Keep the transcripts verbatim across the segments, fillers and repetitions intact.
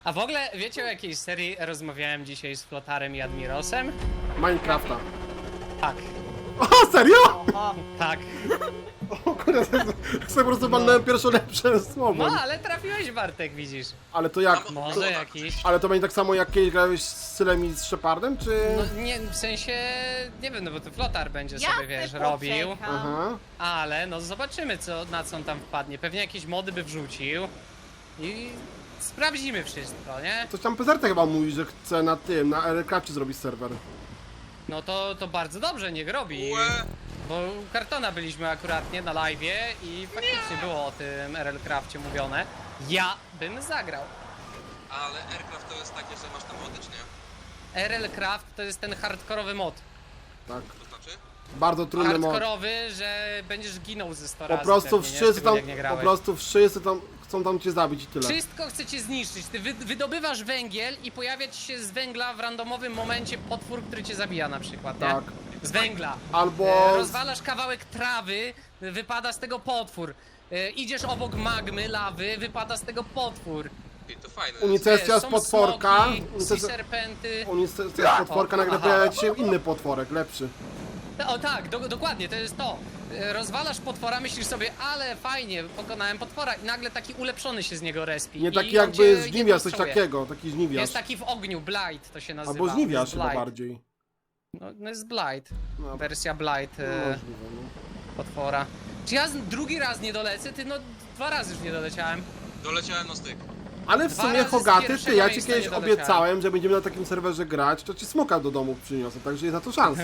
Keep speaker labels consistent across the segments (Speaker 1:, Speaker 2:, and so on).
Speaker 1: A w ogóle wiecie o jakiej serii rozmawiałem dzisiaj z Flotarem i Admirosem?
Speaker 2: Minecrafta.
Speaker 1: Tak,
Speaker 2: O, serio?
Speaker 3: O,
Speaker 1: tak.
Speaker 2: O kurde, sobie po prostu walnąłem pierwsze lepsze słowo.
Speaker 1: No ale trafiłeś, Bartek, widzisz.
Speaker 2: Ale to jak?
Speaker 1: Może jakiś.
Speaker 2: Ale to będzie tak samo jak kiedyś grałeś z Sylem i z Shepardem, czy?
Speaker 1: No nie, w sensie, nie wiem, no bo to Flotar będzie
Speaker 3: ja
Speaker 1: sobie, wiesz,
Speaker 3: se
Speaker 1: robił.
Speaker 3: poczekam.
Speaker 2: Aha.
Speaker 1: Ale no zobaczymy, co, na co on tam wpadnie. Pewnie jakieś mody by wrzucił. I sprawdzimy wszystko, nie?
Speaker 2: Coś tam Pezerta chyba mówi, że chce na tym, na Aircrafcie zrobić serwer.
Speaker 1: No to, to bardzo dobrze, niech robi. Bo u Kartona byliśmy akuratnie na live'ie i faktycznie było o tym R L Crafcie mówione. Ja bym zagrał.
Speaker 4: Ale Aircraft to jest takie, że masz tam mody, czy nie?
Speaker 1: R L Craft to jest ten hardkorowy mod.
Speaker 2: Tak.
Speaker 4: To znaczy?
Speaker 2: Bardzo trudny mod.
Speaker 1: Hardkorowy, że będziesz ginął ze sto
Speaker 2: Po
Speaker 1: razy.
Speaker 2: prostu
Speaker 1: pewnie, nie?
Speaker 2: wszyscy
Speaker 1: Szczególnie
Speaker 2: tam,
Speaker 1: jak nie
Speaker 2: po
Speaker 1: grałeś.
Speaker 2: prostu wszyscy tam chcą tam cię zabić i tyle.
Speaker 1: Wszystko chcecie zniszczyć. Ty wy, wydobywasz węgiel i pojawia ci się z węgla w randomowym momencie potwór, który cię zabija na przykład, nie?
Speaker 2: Tak.
Speaker 1: Z węgla.
Speaker 2: Albo...
Speaker 1: E, rozwalasz kawałek trawy, wypada z tego potwór. E, idziesz obok magmy, lawy, wypada z tego potwór.
Speaker 4: Ej, to fajne.
Speaker 2: Unicestia z
Speaker 1: są
Speaker 2: potworka.
Speaker 1: smoki,
Speaker 2: Unicestia
Speaker 1: sea serpenty.
Speaker 2: Unicestia z potworka, nagle
Speaker 1: Aha.
Speaker 2: pojawia ci się inny potworek, lepszy.
Speaker 1: O tak, do, dokładnie, to jest to. E, Rozwalasz potwora, myślisz sobie, ale fajnie, pokonałem potwora i nagle taki ulepszony się z niego respi.
Speaker 2: Nie
Speaker 1: I
Speaker 2: taki
Speaker 1: on
Speaker 2: jakby
Speaker 1: cię
Speaker 2: żniwiarz, coś
Speaker 1: jednostruje.
Speaker 2: takiego, taki żniwiarz.
Speaker 1: Jest taki w ogniu, Blight to się nazywa.
Speaker 2: Albo żniwiarz
Speaker 1: Jest
Speaker 2: chyba
Speaker 1: Blight.
Speaker 2: bardziej.
Speaker 1: No, no jest Blight,
Speaker 2: No,
Speaker 1: wersja Blight
Speaker 2: no,
Speaker 1: e,
Speaker 2: możliwe, no.
Speaker 1: potwora. Czy ja z- drugi raz nie dolecę? Ty no dwa razy już nie doleciałem.
Speaker 4: Doleciałem na styk.
Speaker 2: Ale w
Speaker 1: Dwa
Speaker 2: sumie
Speaker 1: razy z
Speaker 2: Hogaty, ty,
Speaker 1: pierwszego
Speaker 2: ja ci
Speaker 1: miejsca
Speaker 2: kiedyś
Speaker 1: nie doleciałem.
Speaker 2: obiecałem, że będziemy na takim serwerze grać, to ci smoka do domu przyniosę, także jest na to szansa.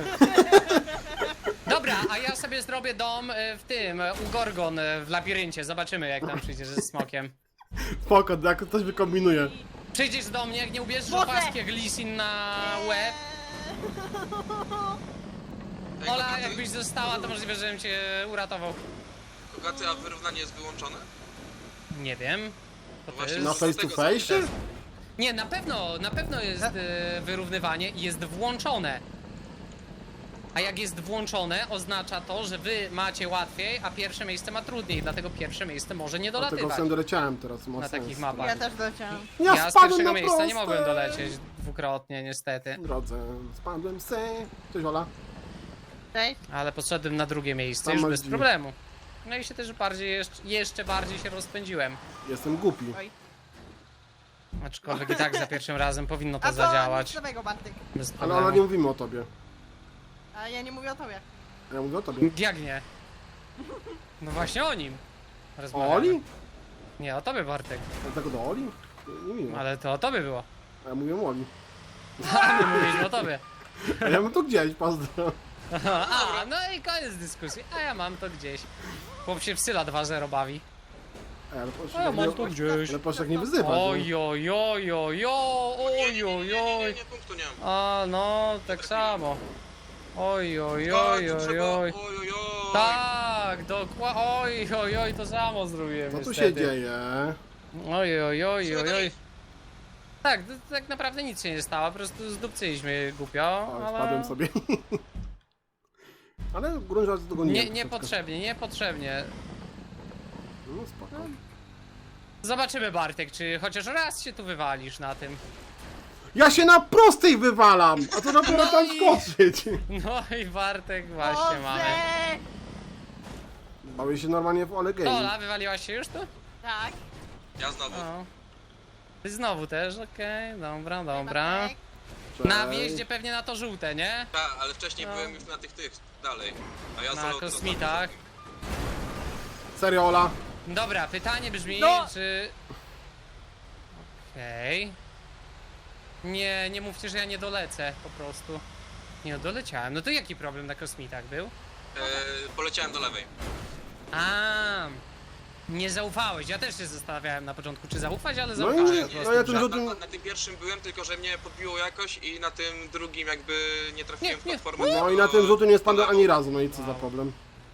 Speaker 1: Dobra, a ja sobie zrobię dom e, w tym, e, u Gorgon e, w labiryncie. Zobaczymy jak tam przyjdziesz ze smokiem.
Speaker 2: Spoko, jak ktoś wykombinuje.
Speaker 1: Przyjdziesz do mnie, jak nie ubierzesz
Speaker 3: Boże!
Speaker 1: opaski jak Lisin na łeb.
Speaker 4: Ej,
Speaker 1: Ola,
Speaker 4: Hogaty,
Speaker 1: jakbyś została, to możliwe, żebym cię uratował.
Speaker 4: Hogaty, a wyrównanie jest wyłączone?
Speaker 1: Nie wiem. To
Speaker 4: No właśnie,
Speaker 1: jest...
Speaker 2: Na face to face?
Speaker 1: Nie, na pewno, na pewno jest e, wyrównywanie i jest włączone. A jak jest włączone, oznacza to, że wy macie łatwiej, a pierwsze miejsce ma trudniej, dlatego pierwsze miejsce może nie
Speaker 2: Dlatego
Speaker 1: dolatywać
Speaker 2: sam doleciałem teraz, ma
Speaker 1: na
Speaker 2: sens.
Speaker 1: takich mapach.
Speaker 3: Ja też doleciałam.
Speaker 2: Ja,
Speaker 1: Ja z
Speaker 2: spadłem
Speaker 1: pierwszego
Speaker 2: na
Speaker 1: miejsca
Speaker 2: proste.
Speaker 1: nie mogłem dolecieć dwukrotnie, niestety.
Speaker 2: Drodze, spadłem se. Cześć Ola.
Speaker 3: Cześć.
Speaker 1: Ale poszedłem na drugie miejsce
Speaker 2: Tam
Speaker 1: już
Speaker 2: masz
Speaker 1: bez
Speaker 2: drzwi.
Speaker 1: problemu. No i się też bardziej, jeszcze, jeszcze bardziej się rozpędziłem.
Speaker 2: Jestem głupi.
Speaker 3: Oj.
Speaker 1: Aczkolwiek i tak za pierwszym razem powinno to
Speaker 3: A co
Speaker 1: zadziałać.
Speaker 3: nic nowego, Bartek?
Speaker 1: Bez
Speaker 2: Ale
Speaker 1: problemu.
Speaker 2: Ola, nie mówimy o tobie.
Speaker 3: A ja nie mówię o tobie.
Speaker 2: Ja mówię o tobie.
Speaker 1: Jak nie? No właśnie o nim.
Speaker 2: O
Speaker 1: rozmawiamy.
Speaker 2: Oli?
Speaker 1: Nie, o tobie, Bartek.
Speaker 2: Dlatego do Oli? Nie, nie miło.
Speaker 1: Ale to o tobie było.
Speaker 2: A ja mówię o Oli.
Speaker 1: A nie mówiliśmy o tobie.
Speaker 2: A ja mam tu gdzieś, pozdro.
Speaker 1: A, no i koniec dyskusji. A ja mam to gdzieś. Chłop się w Syla dwa zero bawi.
Speaker 2: Ej, ale proszę,
Speaker 1: A ja
Speaker 2: tak
Speaker 1: mam
Speaker 2: nie,
Speaker 1: to gdzieś.
Speaker 2: ale proszę tak nie wyzywać.
Speaker 1: Oj, oj, oj, oj, oj,
Speaker 4: Nie, nie,
Speaker 1: oj,
Speaker 4: nie, nie, nie, nie,
Speaker 1: oj.
Speaker 4: nie, punktu nie mam.
Speaker 1: A, no, tak samo. Oj, oj,
Speaker 4: O,
Speaker 1: oj,
Speaker 4: tu
Speaker 1: oj,
Speaker 4: trzeba-
Speaker 1: oj.
Speaker 4: oj, oj, oj.
Speaker 1: Tak, dokładnie. Oj, oj, oj, to samo zrobiłem.
Speaker 2: Co tu
Speaker 1: niestety.
Speaker 2: się dzieje?
Speaker 1: Oj, oj, oj,
Speaker 4: Musimy
Speaker 1: oj,
Speaker 4: to
Speaker 1: oj.
Speaker 4: iść.
Speaker 1: Tak, to, tak naprawdę nic się nie stało, po prostu zdupcyliśmy głupio,
Speaker 2: O,
Speaker 1: ale...
Speaker 2: spadłem sobie. Ale grunż raz dogoniłem.
Speaker 1: Nie,
Speaker 2: troszeczkę.
Speaker 1: niepotrzebnie, niepotrzebnie.
Speaker 2: No spoko.
Speaker 1: Zobaczymy, Bartek, czy chociaż raz się tu wywalisz na tym.
Speaker 2: Ja się na prostej wywalam! A to dopiero
Speaker 1: No
Speaker 2: tam
Speaker 1: i-
Speaker 2: skoczyć!
Speaker 1: No i Bartek właśnie
Speaker 3: Boże!
Speaker 1: mamy.
Speaker 2: Bawię się normalnie w Ole Game.
Speaker 1: Ola, wywaliłaś się już tu?
Speaker 3: Tak.
Speaker 4: Ja znowu.
Speaker 1: O. Ty znowu też, okej, dobra, dobra.
Speaker 3: Bartek.
Speaker 2: Cześć.
Speaker 1: Na wjeździe pewnie na to żółte, nie?
Speaker 4: Tak, ale wcześniej
Speaker 1: No.
Speaker 4: byłem już na tych, tych, dalej. A ja
Speaker 1: Na
Speaker 4: solo-
Speaker 1: kosmitach.
Speaker 2: Serio, Ola?
Speaker 1: Dobra, pytanie brzmi,
Speaker 3: No.
Speaker 1: czy... Okej. Nie, nie mówcie, że ja nie dolecę, po prostu. Nie, no, doleciałem. No to jaki problem na kosmitach był?
Speaker 4: E, poleciałem do lewej.
Speaker 1: A, nie zaufałeś. Ja też się zastanawiałem na początku, czy zaufać, ale
Speaker 2: No i
Speaker 1: zaufałem
Speaker 2: nie-
Speaker 1: po prostu.
Speaker 2: no ja ten
Speaker 1: że-
Speaker 2: rzut-
Speaker 4: Na, na, na tym pierwszym byłem, tylko że mnie podbiło jakoś i na tym drugim jakby nie trafiłem
Speaker 1: Nie,
Speaker 4: w
Speaker 1: nie.
Speaker 4: platformę.
Speaker 2: No i
Speaker 4: tylko
Speaker 2: na tym rzutu nie spadłem
Speaker 4: do
Speaker 2: ani razu, no i co za
Speaker 1: Wow.
Speaker 2: problem.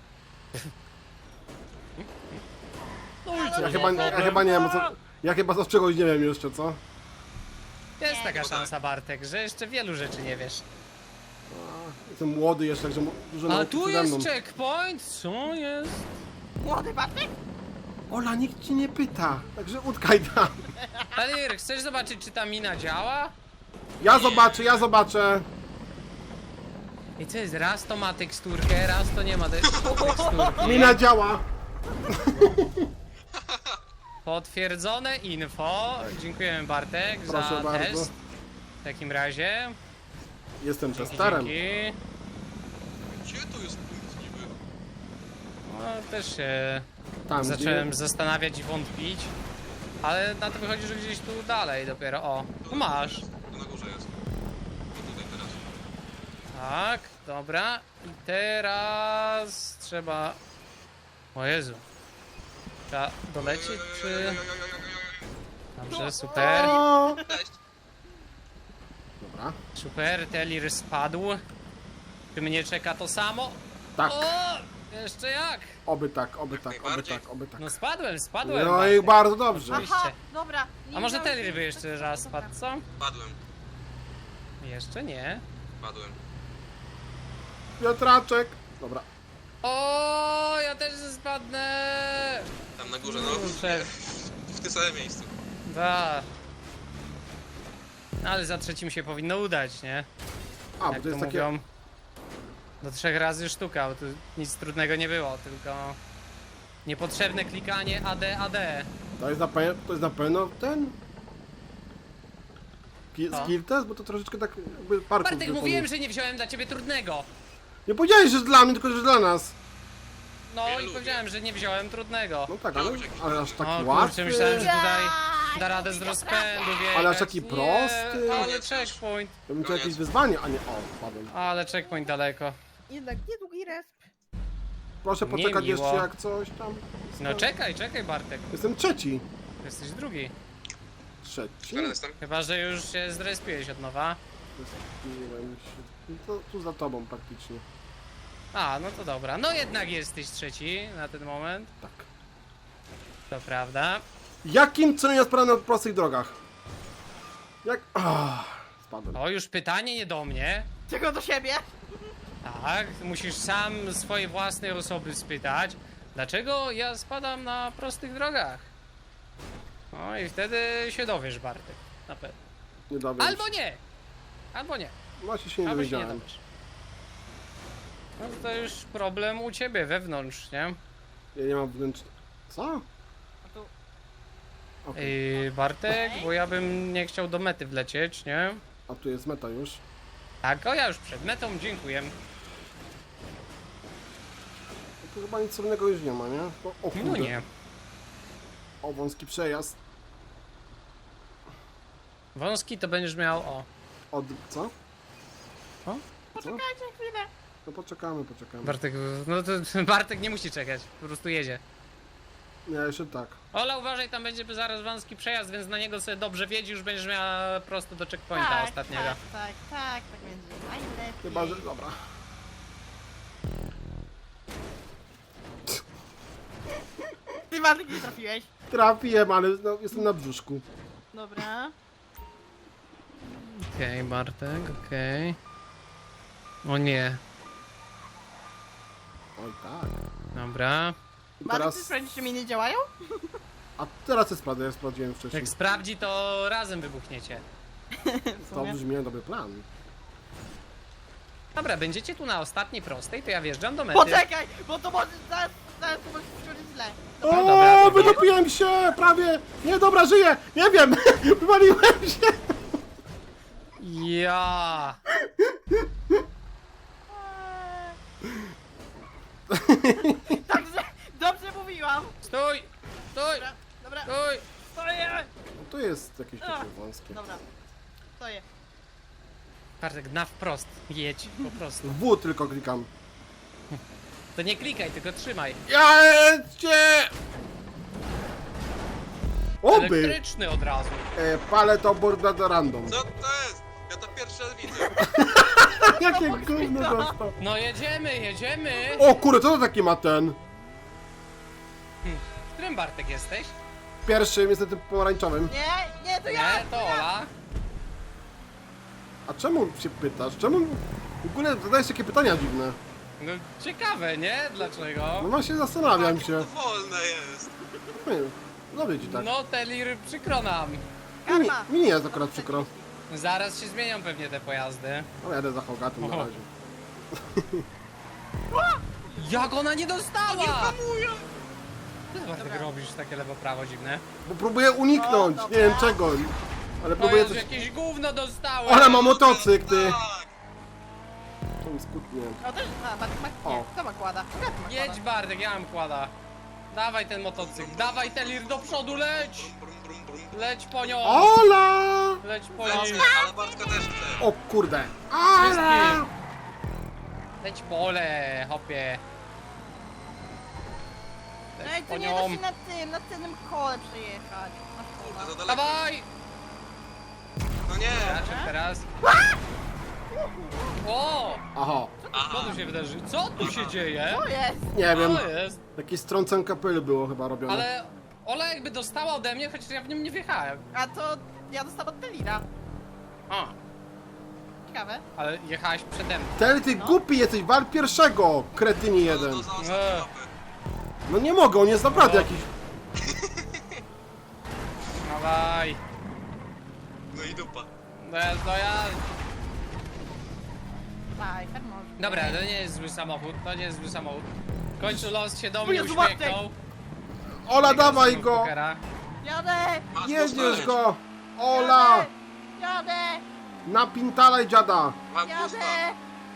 Speaker 1: No i co
Speaker 2: Ja
Speaker 1: za
Speaker 2: chyba, ja
Speaker 1: problem?
Speaker 2: chyba nie wiem, co... Ja chyba za czegoś nie wiem jeszcze, co?
Speaker 1: Jest
Speaker 3: Nie,
Speaker 1: taka
Speaker 4: no tak.
Speaker 1: szansa, Bartek, że jeszcze wielu rzeczy nie wiesz.
Speaker 2: Jestem młody jeszcze, także mo- dużo
Speaker 1: A
Speaker 2: nauki
Speaker 1: tu
Speaker 2: przede mną.
Speaker 1: jest checkpoint? Co jest?
Speaker 3: Młody Bartek?
Speaker 2: Ola, nikt ci nie pyta, także utkaj tam.
Speaker 1: Talir, chcesz zobaczyć, czy ta mina działa?
Speaker 2: Ja zobaczę, ja zobaczę.
Speaker 1: I co jest? Raz to ma teksturkę, raz to nie ma te- teksturki.
Speaker 2: Mina działa.
Speaker 1: Potwierdzone info. Dziękujemy, Bartek,
Speaker 2: Proszę
Speaker 1: za
Speaker 2: bardzo.
Speaker 1: test. W takim razie.
Speaker 2: Jestem
Speaker 1: Dzięki,
Speaker 2: testerem.
Speaker 1: dzięki.
Speaker 4: Gdzie tu jest punkt niby?
Speaker 1: No, też się
Speaker 2: Tam,
Speaker 1: zacząłem
Speaker 2: gdzie...
Speaker 1: zastanawiać i wątpić. Ale na to wychodzi, że gdzieś tu dalej dopiero. O, no masz.
Speaker 4: To na górze jest. To tutaj teraz.
Speaker 1: Tak, dobra. I teraz trzeba... O Jezu. Trzeba dolecieć, czy... Dobrze, super.
Speaker 2: O!
Speaker 4: Cześć.
Speaker 2: Dobra,
Speaker 1: Super, Telir spadł. Czy mnie czeka to samo?
Speaker 2: tak.
Speaker 1: O! Jeszcze jak?
Speaker 2: Oby tak, oby tak, oby
Speaker 4: najbardziej.
Speaker 2: tak, oby tak.
Speaker 1: No spadłem, spadłem.
Speaker 2: No i
Speaker 1: Bartek.
Speaker 2: bardzo dobrze.
Speaker 1: Oczywiście.
Speaker 3: Aha, dobra. nie
Speaker 1: A może
Speaker 3: wiedziałem,
Speaker 1: Telir
Speaker 3: że-
Speaker 1: by jeszcze raz
Speaker 3: Dobra.
Speaker 1: spadł, co?
Speaker 4: Padłem.
Speaker 1: Jeszcze nie.
Speaker 4: Padłem.
Speaker 2: Piotraczek. Dobra.
Speaker 1: O, ja też spadnę.
Speaker 4: Tam na górze, no.
Speaker 1: Kurczę.
Speaker 4: W tym samym miejscu.
Speaker 1: Da. No, ale za trzecim się powinno udać, nie?
Speaker 2: A, bo
Speaker 1: Jak
Speaker 2: to
Speaker 1: to
Speaker 2: jest takie...
Speaker 1: mówią. Do trzech razy sztuka, bo tu nic trudnego nie było, tylko niepotrzebne klikanie A D, A D.
Speaker 2: To jest na pewno, to jest na pewno ten... Ki-
Speaker 1: Co?
Speaker 2: Skill test, bo to troszeczkę tak jakby parkour
Speaker 1: Bartek,
Speaker 2: wykonuje.
Speaker 1: mówiłem, że nie wziąłem dla ciebie trudnego.
Speaker 2: Nie powiedziałeś, że dla mnie, tylko że dla nas.
Speaker 1: No
Speaker 4: Ja
Speaker 1: i
Speaker 4: lubię.
Speaker 1: powiedziałem, że nie wziąłem trudnego.
Speaker 2: No tak, ale, ale aż taki
Speaker 1: O kurczę,
Speaker 2: łatwy.
Speaker 1: myślałem, że tutaj
Speaker 3: Ja,
Speaker 1: da radę z rozpędu wjechać.
Speaker 2: Ale aż taki
Speaker 1: Nie,
Speaker 2: prosty.
Speaker 1: Ale
Speaker 4: Koniec już.
Speaker 1: checkpoint.
Speaker 2: To bym chciał
Speaker 4: Koniec.
Speaker 2: jakieś wyzwanie, a nie... O, spadłem.
Speaker 1: Ale checkpoint daleko.
Speaker 3: Jednak niedługi resp.
Speaker 2: Proszę poczekać
Speaker 1: Niemiło.
Speaker 2: jeszcze jak coś tam.
Speaker 1: No czekaj, czekaj Bartek.
Speaker 2: Jestem trzeci.
Speaker 1: Jesteś drugi.
Speaker 2: Trzeci?
Speaker 4: Teraz jestem.
Speaker 1: Chyba, że już się zrespiłeś od nowa.
Speaker 2: Zespiłem się. No to tu za tobą praktycznie.
Speaker 1: A, no to dobra. No jednak jesteś trzeci na ten moment.
Speaker 2: Tak.
Speaker 1: To prawda.
Speaker 2: Jakim celem ja sprawdzam na prostych drogach? Jak... Ah, spadłem.
Speaker 1: O, już pytanie nie do mnie.
Speaker 3: Czego do siebie?
Speaker 1: Tak, musisz sam swojej własnej osoby spytać, dlaczego ja spadam na prostych drogach. No i wtedy się dowiesz, Bartek. Na pewno.
Speaker 2: Nie dowiem
Speaker 1: Albo
Speaker 2: się.
Speaker 1: nie! Albo nie.
Speaker 2: Właśnie się nie
Speaker 1: Albo się nie
Speaker 2: dowiedziałem.
Speaker 1: dowiesz. No to już problem u ciebie wewnątrz, nie?
Speaker 2: Ja nie mam wnętrz... Co?
Speaker 3: A tu...
Speaker 2: Okej.
Speaker 1: Yy, Bartek, bo ja bym nie chciał do mety wlecieć, nie?
Speaker 2: A tu jest meta już.
Speaker 1: Tak, o ja już przed metą, dziękuję.
Speaker 2: No tu chyba nic trudnego już nie ma, nie? O, o kurde.
Speaker 1: No nie.
Speaker 2: O, wąski przejazd.
Speaker 1: Wąski to będziesz miał, o.
Speaker 2: Od... co?
Speaker 1: O?
Speaker 3: Poczekajcie chwilę.
Speaker 2: No poczekamy, poczekamy.
Speaker 1: Bartek, no to Bartek nie musi czekać, po prostu jedzie.
Speaker 2: Nie, jeszcze tak.
Speaker 1: Ola, uważaj, tam będzie zaraz wąski przejazd, więc na niego sobie dobrze wiedzi, już będziesz miała prosto do checkpointa
Speaker 3: tak,
Speaker 1: ostatniego.
Speaker 3: tak, tak, tak, tak będzie najlepiej.
Speaker 2: Chyba, że... dobra.
Speaker 3: Ty Bartek nie trafiłeś.
Speaker 2: Trafiłem, ale no, jestem na brzuszku.
Speaker 3: Dobra.
Speaker 1: Okej, Bartek, okej. O nie,
Speaker 2: Oj tak.
Speaker 1: dobra.
Speaker 2: I
Speaker 3: Bartek,
Speaker 2: teraz...
Speaker 3: ty sprawdzisz, czy mi nie działają?
Speaker 2: A teraz jest prawda, ja sprawdziłem wcześniej.
Speaker 1: Jak sprawdzi, to razem wybuchniecie.
Speaker 3: W
Speaker 2: To
Speaker 3: sumie.
Speaker 2: brzmi jak dobry plan.
Speaker 1: Dobra, będziecie tu na ostatniej prostej, to ja wjeżdżam do mety.
Speaker 3: Poczekaj, bo to może zaraz, zaraz to może skończyć źle.
Speaker 2: O,
Speaker 1: No dobra, to
Speaker 2: wydopiłem się! Prawie! Nie, dobra, żyję! Nie wiem! Wywaliłem się!
Speaker 1: Ja.
Speaker 3: Także, dobrze mówiłam.
Speaker 1: Stój! Stój!
Speaker 3: Dobra, dobra,
Speaker 1: Stój!
Speaker 3: stoję.
Speaker 2: No tu jest jakieś takie wąskie.
Speaker 3: Dobra, stoję.
Speaker 1: Bartek, na wprost, jedź, po prostu.
Speaker 2: W tylko klikam.
Speaker 1: To nie klikaj, tylko trzymaj.
Speaker 2: Jedźcie! Oby!
Speaker 1: Elektryczny od razu.
Speaker 2: E, palę to borda random.
Speaker 4: Co to jest? Ja to pierwszy raz widzę.
Speaker 2: Jakie gówno dostał.
Speaker 1: No jedziemy, jedziemy!
Speaker 2: O kurde, co to taki ma ten?
Speaker 1: W którym Bartek jesteś?
Speaker 2: Pierwszym jest na tym pomarańczowym.
Speaker 3: Nie, nie, to ja.
Speaker 1: Nie, to Ola.
Speaker 2: A czemu się pytasz? Czemu w ogóle zadajesz takie pytania dziwne?
Speaker 1: No ciekawe, nie? Dlaczego?
Speaker 2: No właśnie zastanawiam się.
Speaker 4: To wolne jest.
Speaker 2: Nie wiem, zrobię ci tak.
Speaker 1: No Telir, przykro nam.
Speaker 2: Mi,
Speaker 3: Karma.
Speaker 2: mi nie jest akurat przykro.
Speaker 1: Zaraz się zmienią pewnie te pojazdy.
Speaker 2: No jadę za Hogatem na
Speaker 1: Oho.
Speaker 2: razie.
Speaker 1: Jak ona nie dostała?
Speaker 4: Nie hamuję.
Speaker 1: Ty Bartek robisz takie lewo-prawo dziwne.
Speaker 2: Bo próbuję uniknąć,
Speaker 3: O,
Speaker 2: nie wiem
Speaker 3: dobra.
Speaker 2: czego. Ale
Speaker 1: No
Speaker 2: próbuję
Speaker 1: Jezu,
Speaker 2: coś...
Speaker 1: jakieś gówno dostałem.
Speaker 2: Ale ma motocykl, ty!
Speaker 4: Tak.
Speaker 2: To mi skutnie.
Speaker 3: O, też, a, Bartek ma,
Speaker 2: O.
Speaker 3: nie, kto ma kłada? Hogaty ma
Speaker 1: Jedź
Speaker 3: kłada.
Speaker 1: Bartek, ja mam kłada. Dawaj ten motocykl, dawaj Telir do przodu, leć!
Speaker 4: Brum, brum, brum, brum.
Speaker 1: Leć po nią!
Speaker 2: Ola!
Speaker 1: Leć po
Speaker 4: Lecę,
Speaker 1: nią!
Speaker 4: ale Bartka też chce.
Speaker 2: O kurde. Ola!
Speaker 1: Wszystkim! Leć pole, hopie!
Speaker 3: No
Speaker 1: Leć
Speaker 3: i
Speaker 1: po
Speaker 3: tu nie da
Speaker 1: nią!
Speaker 3: się na tym, na tylnym kole przejechać. Na
Speaker 4: Kurde,
Speaker 3: szkoda.
Speaker 4: za daleko.
Speaker 1: Dawaj!
Speaker 4: No nie.
Speaker 1: Raczek teraz. O!
Speaker 2: Aha.
Speaker 1: Co
Speaker 4: Aha.
Speaker 1: tu się wydarzy? Co tu się dzieje?
Speaker 3: To jest!
Speaker 2: Nie wiem.
Speaker 1: Co jest?
Speaker 2: Jakieś strącenka pyl było chyba robione.
Speaker 1: Ale Ola jakby dostała ode mnie, chociaż ja w nim nie wjechałem.
Speaker 3: A to ja dostałam od Telira.
Speaker 1: A,
Speaker 3: Ciekawe.
Speaker 1: ale jechałeś przede mną.
Speaker 2: Teli, ty głupi jesteś, wal pierwszego, kretyni jeden.
Speaker 4: No, to za ostatnią
Speaker 1: Eee.
Speaker 4: mapę.
Speaker 2: No nie mogę, on jest naprawdę
Speaker 1: No.
Speaker 2: jakiś...
Speaker 1: Dawaj.
Speaker 4: No i dupa.
Speaker 1: No ja, no ja...
Speaker 3: Daj, tak może.
Speaker 1: Dobra, to nie jest zły samochód, to nie jest zły samochód. W końcu los się do
Speaker 3: O
Speaker 1: mnie
Speaker 3: Jezu,
Speaker 1: uśmiechnął.
Speaker 2: Ola, dawaj go!
Speaker 1: Pokera.
Speaker 3: Jadę!
Speaker 4: Masz
Speaker 2: Jedziesz
Speaker 4: dostać.
Speaker 2: go! Ola!
Speaker 3: Jadę! Jadę!
Speaker 2: Napintalaj dziada!
Speaker 4: Mam gusta.
Speaker 3: Jadę!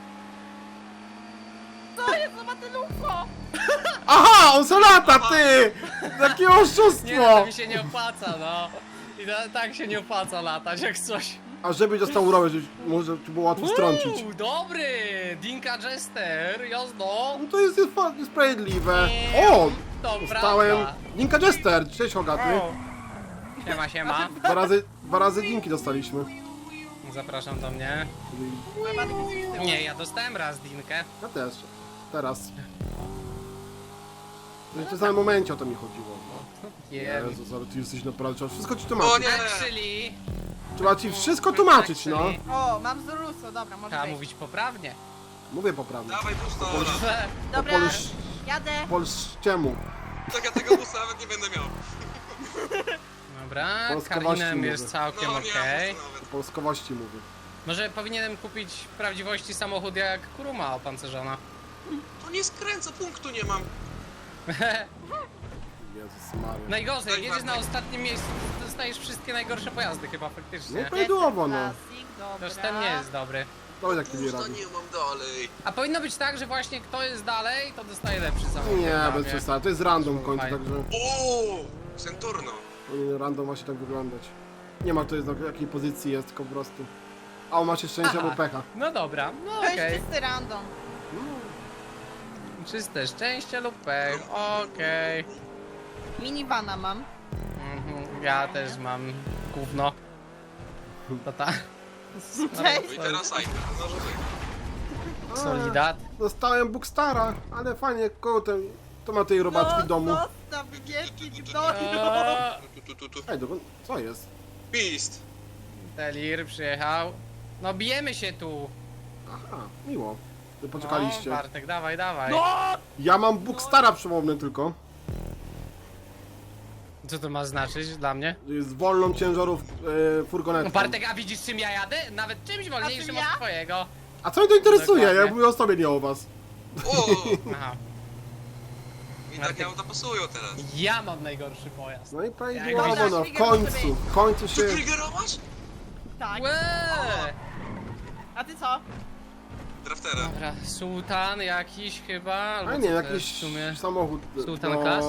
Speaker 3: To jest obywatelówko!
Speaker 2: Aha, on se lata, ty! Jakie
Speaker 1: Nie no,
Speaker 2: oszustwo!
Speaker 1: to mi się nie opłaca, no. I to, tak się nie opłaca latać, jak coś.
Speaker 2: A żeby dostał urobę, żeby może ci było łatwo strącić.
Speaker 1: Uuu, dobry! Dinka Jester, jazdo.
Speaker 2: No to jest niespa- niesprawiedliwe.
Speaker 1: Nie,
Speaker 2: O!
Speaker 1: to
Speaker 2: Dostałem...
Speaker 1: prawda.
Speaker 2: Dinka Jester, cześć Hogaty.
Speaker 1: Siema, siema.
Speaker 2: Dwa razy, dwa razy dinki dostaliśmy.
Speaker 1: Zapraszam do mnie.
Speaker 3: Mój Bartek jest z tyłu.
Speaker 1: Nie, ja dostałem raz Dinkę.
Speaker 2: Ja też. Teraz. W tym samym momencie o to mi chodziło.
Speaker 1: Jem.
Speaker 2: Jezus, ale ty jesteś naprawdę... Trzeba wszystko ci
Speaker 4: O
Speaker 2: tłumaczyć.
Speaker 4: nie!
Speaker 1: Actually,
Speaker 2: Trzeba ci wszystko tłumaczyć, no.
Speaker 1: actually,
Speaker 3: O, mam Zoruso, dobra, może
Speaker 1: trzeba
Speaker 3: być.
Speaker 1: mówić poprawnie.
Speaker 2: Mówię poprawnie.
Speaker 4: Dawaj busta, Ola.
Speaker 3: Dobra,
Speaker 2: Polsz...
Speaker 3: jadę!
Speaker 2: Polszczemu.
Speaker 4: Tak ja tego busta nawet nie będę miał.
Speaker 1: Dobra,
Speaker 2: Polskowości
Speaker 1: Karinem
Speaker 2: mówię.
Speaker 1: jest całkiem
Speaker 4: No nie
Speaker 1: okej.
Speaker 4: mam busta nawet.
Speaker 2: Po polskowości mówię.
Speaker 1: Może powinienem kupić w prawdziwości samochód jak Kuruma opancerzona.
Speaker 4: To nie skręca, punktu nie mam.
Speaker 2: Jezus Maria.
Speaker 1: Najgorzej, jak
Speaker 4: Daj
Speaker 1: jedziesz na
Speaker 4: Bartek.
Speaker 1: ostatnim miejscu, to dostajesz wszystkie najgorsze pojazdy chyba
Speaker 2: No
Speaker 1: faktycznie.
Speaker 2: i prawidłowo, no.
Speaker 3: Classic, dobra.
Speaker 1: Toż ten nie jest dobry.
Speaker 2: To jest taki
Speaker 4: Busta
Speaker 2: radzi.
Speaker 4: nie mam dalej.
Speaker 1: A powinno być tak, że właśnie kto jest dalej, to dostaje lepszy samochód.
Speaker 2: Nie,
Speaker 1: prawie.
Speaker 2: bez przesady. To jest random w końcu,
Speaker 1: Fajnie.
Speaker 2: także
Speaker 4: O, Centurno.
Speaker 2: powinien random właśnie tak wyglądać. Nie ma to jest na jakiej pozycji jest, tylko po prostu. A on macie szczęście
Speaker 1: Aha.
Speaker 2: albo pecha.
Speaker 1: No dobra, no
Speaker 3: To jest
Speaker 1: okej.
Speaker 3: czysty random.
Speaker 1: Czyste szczęście lub pech, okej.
Speaker 3: Minivana mam.
Speaker 1: Mhm, ja też mam gówno. To ta.
Speaker 3: Cześć!
Speaker 4: No i teraz Cypher, no żeby.
Speaker 2: A,
Speaker 1: Solidat.
Speaker 2: Dostałem Bookstara, ale fajnie, koło ten, to ma tej robaczki w domu.
Speaker 3: Zostaw mnie, gnoju!
Speaker 1: Eee,
Speaker 4: Tu, tu, tu, tu.
Speaker 2: Ej, dokąd? Co jest?
Speaker 4: Beast.
Speaker 1: Telir przyjechał. No bijemy się tu.
Speaker 2: Aha, miło. Że poczekaliście.
Speaker 1: No, Bartek, dawaj, dawaj.
Speaker 3: No!
Speaker 2: Ja mam Bookstara przypomnę tylko.
Speaker 1: Co to ma znaczyć dla mnie?
Speaker 2: Że jest wolną ciężarów e, furgonetką.
Speaker 1: No Bartek, a widzisz czym ja jadę? Nawet czymś wolniejszym
Speaker 3: czym ja?
Speaker 1: od twojego.
Speaker 2: A co mnie to interesuje?
Speaker 1: Dokładnie.
Speaker 2: Ja mówię o sobie, nie o was.
Speaker 4: O!
Speaker 1: Aha.
Speaker 4: I tak ja to pasują teraz.
Speaker 1: Ja mam najgorszy pojazd.
Speaker 2: No i
Speaker 1: Jak
Speaker 2: prawidłowo,
Speaker 3: widzisz-
Speaker 2: no w
Speaker 3: Trigger może
Speaker 2: końcu,
Speaker 3: być.
Speaker 2: w końcu się...
Speaker 4: Ty triggerowasz?
Speaker 3: Tak.
Speaker 1: Łe!
Speaker 3: A ty co?
Speaker 4: Draftera.
Speaker 1: Dobra, sułtan jakiś chyba, albo
Speaker 2: A
Speaker 1: co
Speaker 2: nie,
Speaker 1: to jest
Speaker 2: jakiś
Speaker 1: w sumie.
Speaker 2: samochód.
Speaker 1: Sultan
Speaker 2: no,
Speaker 1: Classic?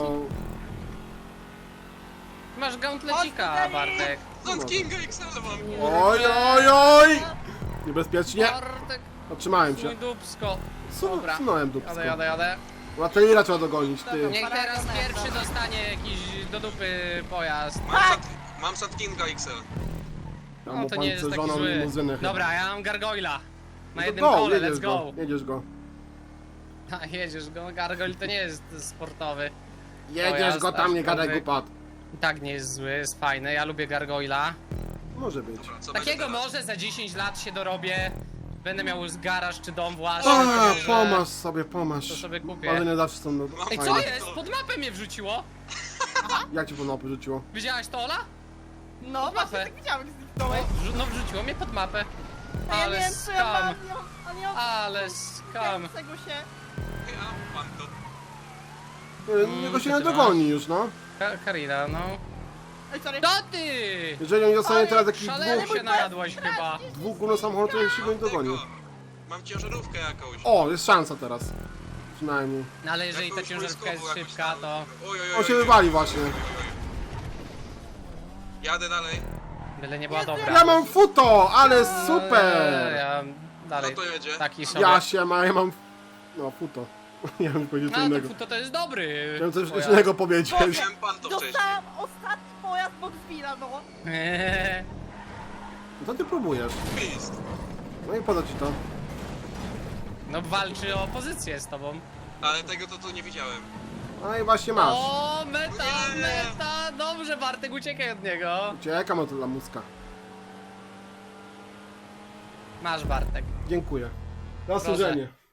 Speaker 1: Masz gauntlecika,
Speaker 3: Ostry!
Speaker 1: Bartek.
Speaker 4: Land Kinga X L mam.
Speaker 2: Oj, oj, oj! Niebezpiecznie.
Speaker 1: Bartek,
Speaker 2: Otrzymałem się.
Speaker 1: mój dupsko.
Speaker 2: Su-
Speaker 1: Dobra.
Speaker 2: Sunąłem dupsko.
Speaker 1: Jadę, jadę, jadę.
Speaker 2: Lateliera trzeba dogonić, ty.
Speaker 1: Niech teraz pierwszy dostanie jakiś do dupy pojazd.
Speaker 4: Mam Sand, mam Sand Kinga X L.
Speaker 2: Ja
Speaker 1: No
Speaker 2: mu
Speaker 1: to nie jest taki
Speaker 2: pancerzoną
Speaker 1: zły.
Speaker 2: limuzynę chyba.
Speaker 1: Dobra, ja mam gargoyla. Na
Speaker 2: No to
Speaker 1: jednym
Speaker 2: go,
Speaker 1: kole,
Speaker 2: jedziesz
Speaker 1: let's go.
Speaker 2: Jedziesz go.
Speaker 1: A, jedziesz go, gargoyle to nie jest sportowy.
Speaker 2: Jedziesz
Speaker 1: Pojazd
Speaker 2: go tam, nie gadaj
Speaker 1: aczkolwiek-
Speaker 2: głupot.
Speaker 1: I tak nie jest zły, jest fajny, ja lubię gargoyla.
Speaker 2: Może być.
Speaker 4: Dobra, co
Speaker 1: Takiego
Speaker 4: będzie teraz?
Speaker 1: może za dziesięć lat się dorobię. będę miał garaż czy dom własny,
Speaker 2: A,
Speaker 1: to, że-
Speaker 2: pomasz sobie, pomasz.
Speaker 1: to sobie kupię.
Speaker 2: Ale nie zawsze są do...
Speaker 1: Ej, co
Speaker 2: fajne.
Speaker 1: jest? Pod mapę mnie wrzuciło.
Speaker 2: Jak cię po mapę rzuciło?
Speaker 1: Widziałaś to, Ola?
Speaker 3: No
Speaker 1: Pod
Speaker 3: właśnie
Speaker 1: mapę.
Speaker 3: tak widziałem, jak
Speaker 1: No,
Speaker 3: zniknąłeś.
Speaker 1: wrzu- no wrzuciło mnie pod mapę.
Speaker 3: A ja nie
Speaker 1: Ale
Speaker 3: wiem, co ja
Speaker 1: skam.
Speaker 3: mam, nie mam, a nie mam
Speaker 1: Ale skam.
Speaker 3: tego się.
Speaker 4: Ja, pan to.
Speaker 2: Nie, Niego się
Speaker 1: co
Speaker 2: nie
Speaker 1: ty
Speaker 2: dogoni już, no.
Speaker 1: Ka- Karina, no.
Speaker 3: Ej, sorry.
Speaker 1: To ty!
Speaker 2: Jeżeli nie dostanie
Speaker 3: Ale
Speaker 2: teraz jakichś
Speaker 1: Szalenie
Speaker 2: dwóch,
Speaker 1: się najadłaś chyba.
Speaker 2: dwóch górno samochodów, to się go nie dogoni.
Speaker 4: Tego. Mam ciężarówkę jakąś.
Speaker 2: O, jest szansa teraz. Przynajmniej.
Speaker 1: No ale jeżeli ta
Speaker 4: Jakąś
Speaker 1: ciężarówka jest
Speaker 4: wojskową, jakąś
Speaker 1: szybka,
Speaker 4: tam.
Speaker 1: to
Speaker 4: Oj, oj, oj,
Speaker 2: On się
Speaker 4: oj.
Speaker 2: wywali właśnie.
Speaker 4: Jadę dalej.
Speaker 1: byle nie była
Speaker 3: Jezu,
Speaker 1: dobra.
Speaker 2: Ja mam futo, ale
Speaker 1: Eee,
Speaker 2: super!
Speaker 1: Ja dalej
Speaker 4: No to jedzie.
Speaker 1: taki sobie.
Speaker 2: Ja się ma, ja mam... No, futo. Ja bym powiedział co
Speaker 1: No to,
Speaker 2: innego.
Speaker 1: to, to jest dobry.
Speaker 2: Chciałem coś
Speaker 1: pojazd.
Speaker 2: innego powiedzieć.
Speaker 4: Wiem pan to wcześniej.
Speaker 3: Dostałam ostatni pojazd Boxvilla, no.
Speaker 1: Eee,
Speaker 2: Co ty próbujesz?
Speaker 4: Pist.
Speaker 2: No i po co ci to?
Speaker 1: No walczy o pozycję z tobą.
Speaker 4: Ale tego to tu nie widziałem.
Speaker 2: No i właśnie masz.
Speaker 1: O, meta,
Speaker 4: Nie.
Speaker 1: meta! Dobrze, Bartek, uciekaj od niego.
Speaker 2: Uciekam od lamuska.
Speaker 1: Masz, Bartek.
Speaker 2: Dziękuję. Za
Speaker 1: Proszę.
Speaker 2: służenie.